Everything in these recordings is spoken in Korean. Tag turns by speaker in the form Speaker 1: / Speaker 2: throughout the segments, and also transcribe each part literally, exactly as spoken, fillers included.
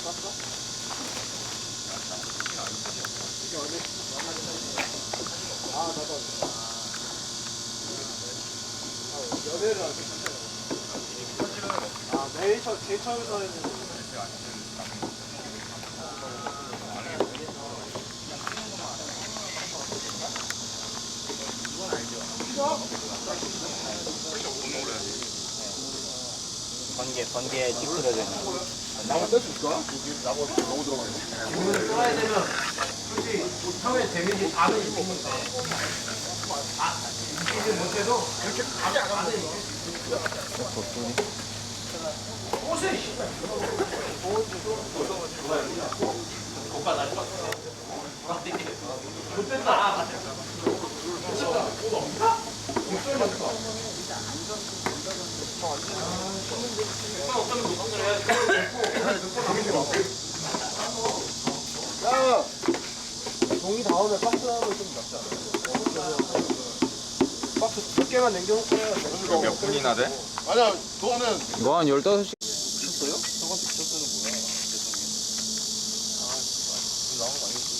Speaker 1: 아, 나도. 연애를 하지. 아, 매일 처, 제일 처음부터 했는데.
Speaker 2: 번개, 번개에 찌그러져 있는 거.
Speaker 1: 나무 뗄 수 있을까? 여기 나무 너무 들어가네.
Speaker 3: 기분을 써야 되면 솔직히 처음에 데미지 다는 있는 건데 아, 이기지 못해도 이렇게 가지 않아도 옷을 오빠 날 봤어. 못됐다. 옷 없나? 목소리 맞을까? 어떤 목소리 해야지.
Speaker 1: 야! 종이 다음에 박스 하면 좀 낫지 않아? 박스 몇 개만 남겨놓고 해야 돼.
Speaker 4: 이거 몇 분이나 돼?
Speaker 1: 아니야, 그거는.
Speaker 5: 이거 한 열다섯 시.
Speaker 1: 미쳤어요? 저한테 미쳤어는 뭐야? 아, 나온 거 아니지?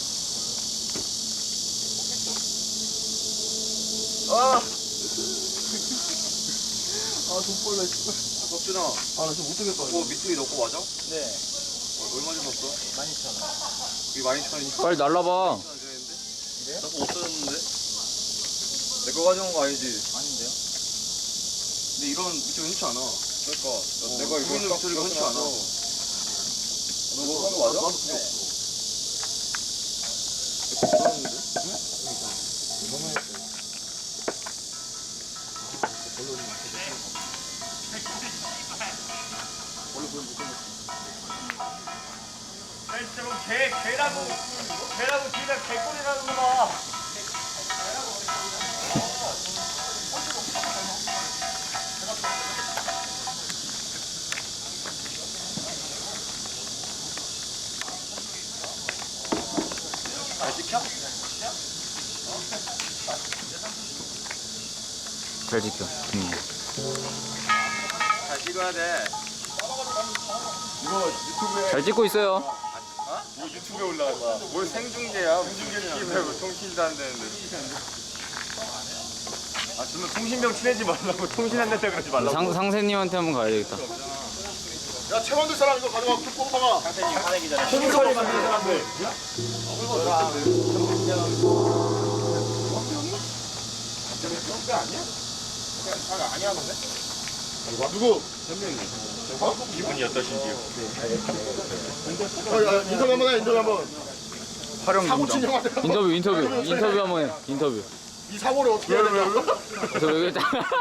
Speaker 1: 아! 아, 돈벌레, 씨발.
Speaker 4: 석준아,
Speaker 1: 아, 나 지금 못 뜨겠다.
Speaker 4: 그거 미투기 넣고 맞아?
Speaker 2: 네.
Speaker 4: 어, 얼마 줬었어?
Speaker 2: 만 이천 원.
Speaker 4: 이게 만 이천 원이니까?
Speaker 5: 빨리 날라봐.
Speaker 4: 그래? 나 그거 없었는데? 내 거 가져온 거 아니지?
Speaker 2: 아닌데요?
Speaker 4: 근데 이런 미투기 흔치 않아. 그러니까
Speaker 1: 어,
Speaker 4: 내가 이거 있는 미투기가 흔치 않아. 너 그거 한거 맞아?
Speaker 1: 나도 그게 없어.
Speaker 4: 없었는데?
Speaker 3: 진짜로 개, 개라고, 개라고 뒤에다 개꼬리라는 거봐.
Speaker 4: 잘 지켜?
Speaker 5: 잘 지켜. 음.
Speaker 4: 잘 찍어야 돼.
Speaker 1: 이거 유튜브에.
Speaker 5: 잘 찍고 있어요.
Speaker 4: 뭐 유튜브에 올라갈 거야. 뭘 생중계야. 생중계냐. 뭐 통신도 안 되는데. 아, 저는 통신병 친해지 말라고 통신 안 된다 그러지 말라고.
Speaker 5: 상, 상세님한테 한번 가야 되겠다.
Speaker 1: 야, 채 만들 사람 이거 가져가. 뽕파가.
Speaker 2: 상태님 화내기 전에.
Speaker 1: 콩소리 만드는 사람들. 누구?
Speaker 4: 기분이 어떠신지요?
Speaker 1: 어, 야, 인터뷰 한번 해, 인터뷰 한번.
Speaker 5: 활용
Speaker 1: 사고 친
Speaker 5: 인정.
Speaker 1: 형한테.
Speaker 5: 인터뷰, 인터뷰, 인터뷰 한번 해. 인터뷰.
Speaker 1: 이 사고를 어떻게 해야 되냐?
Speaker 5: 저 여기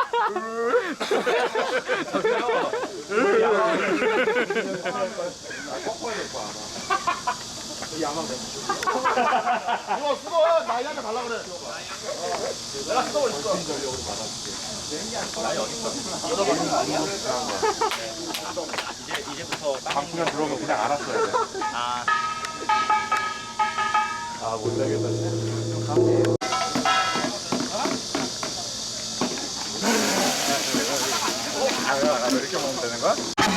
Speaker 1: 이거 수거 나이한테 달라 그래. 내가 수거 있어.
Speaker 2: 이제, 이제부터
Speaker 4: 방송에 들어오면 그냥 알았어야 돼.
Speaker 2: 아,
Speaker 1: 아, 못 되겠다.
Speaker 4: 아, 야, 이렇게 먹으면 되는 거야?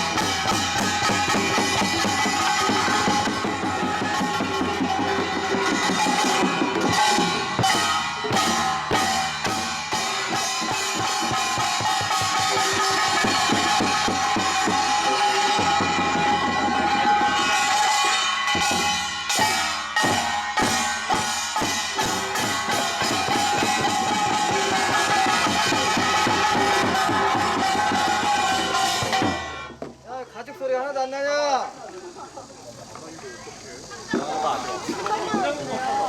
Speaker 3: 가죽 소리 하나도 안 나냐?